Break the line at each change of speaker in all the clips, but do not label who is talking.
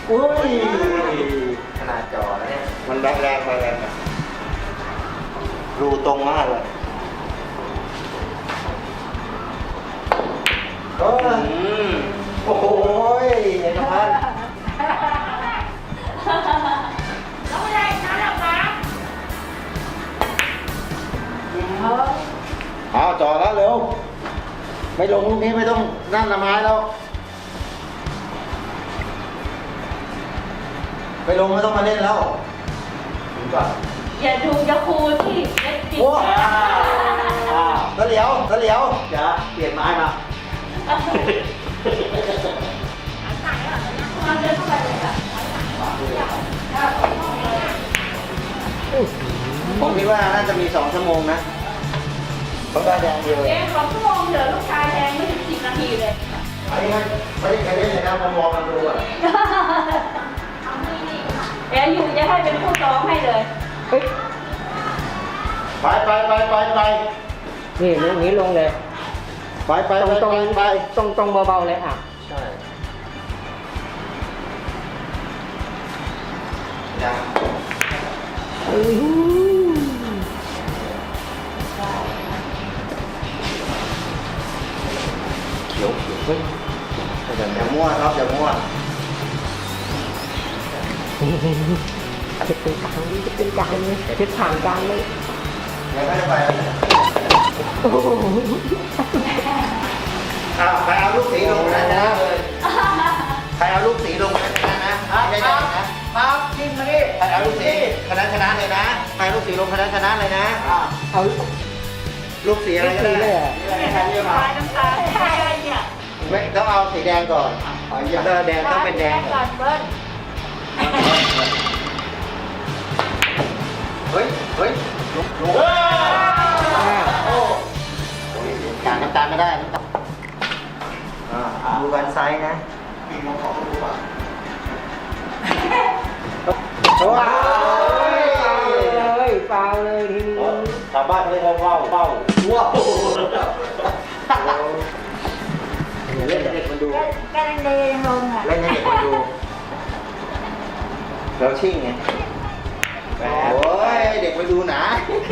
อุ้ย
ขนาดจอแล้วเนี่ย
มันแรงไปแรงไปรูตรงมากเลยโอ้โหเอกพันธ์
แล้วไม่ได้นะหรอกนะ
เอาจ่อแล้วเร็วไม่ลงลูกนี้ไม่ต้องนั่นละไม้แล้วไม่ลงไม่ต้องมาเล่นแล้วถึงก่อน
อย่าดูอย่าคูที่เล็กจริง
โอ้ตะเหลียวจะเปลี่ยนไม้มา
มันเดินเข้าไปเลยค่ะ
ผมคิดว่าน่าจะมี2 ชั่วโมงนะต้องได้แดงเดียว
เอ๊ะ2 ชั่วโมงเหลือลูกชายแดงไม่ถึง10 นาทีเลย
อันนี้ไม่ได้ใครเล่นเลยนะมองมาดูอ่ะ
เดี๋ยวอยู่จะให้เป็นผู้ซ้อมให้เลย
ไป
นี่ลูกนี้ลงเลย
ไป
ตรงเบาๆเลยอ่ะ
ใช่ยังเขียวเฮ้ยอย่ามั่วครับอย่ามั่ว
จะเป็นกลางจะเป็นกลางเลยจะผ่านกลางเลย
ยังไม่ได้ไปเลย
โอ้โห
ใครเอาลูกสีลงนะชนะเลยใครเอาลูกสีลงนะชนะนะไม่ได้นะครับกินมาดิใครเอาลูกสีชนะเลยนะใครลูกสีลงชนะเลยนะ
เอา
ลูกสีอะไรก็
สีเลย
ได้
อ่ะ
น้ำตาลน้ำตาลใช่เนี่ย
ไม่ต้องเอาสีแดงก่อนแดงต้องเป็นแดง
ก่อนเบิ้ล
เฮ้ยโอ้กางน้ำตาลไม่ได้ดูกันไซส์นะมีมองของดูป่ะว้าว
เลยฟาวเลยทีนี้
ชาวบ้านเขาเรียกว่าว้าวเล่นให้เด็กมันดู
กำลังเดินลงอ่ะ
เล่นให้เด็กมันดูแล้วชิ่งไงโอ้ยเด็กไปดูหนา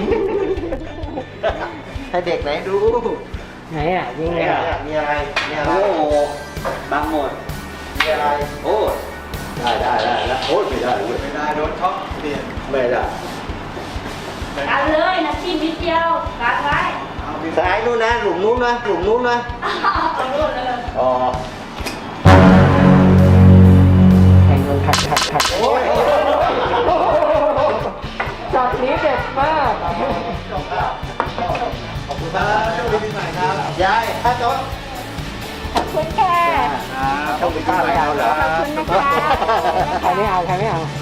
ให้เด็กไหนดู
ไหนอ่ะยิง
มี
เลย
อะไร
อ่ะ
มีอะไรโอ้บางหมดมีอะไรโอ้ได้แล้วโอ้ไม่ได้ไม่ได้โดนช็อตเปลี่ยนไม่ได้
กันเลยนะชิ้นนิดเดียวกันไว้
ซ้ายนู้นนะหลุมนู้นนะ
เอาลูกเลย
อ๋อ
แข่งกันขัด
โอ้ย
จับนี้เด็ดมาก
ขอบคุณครับโชคดีปีใหม่ครับยายถ้าจด
ขอบคุณค่ะ
โชคดีปีใหม่เอาเหรอ
ขอบคุณนะคะ
ใครไม่เอา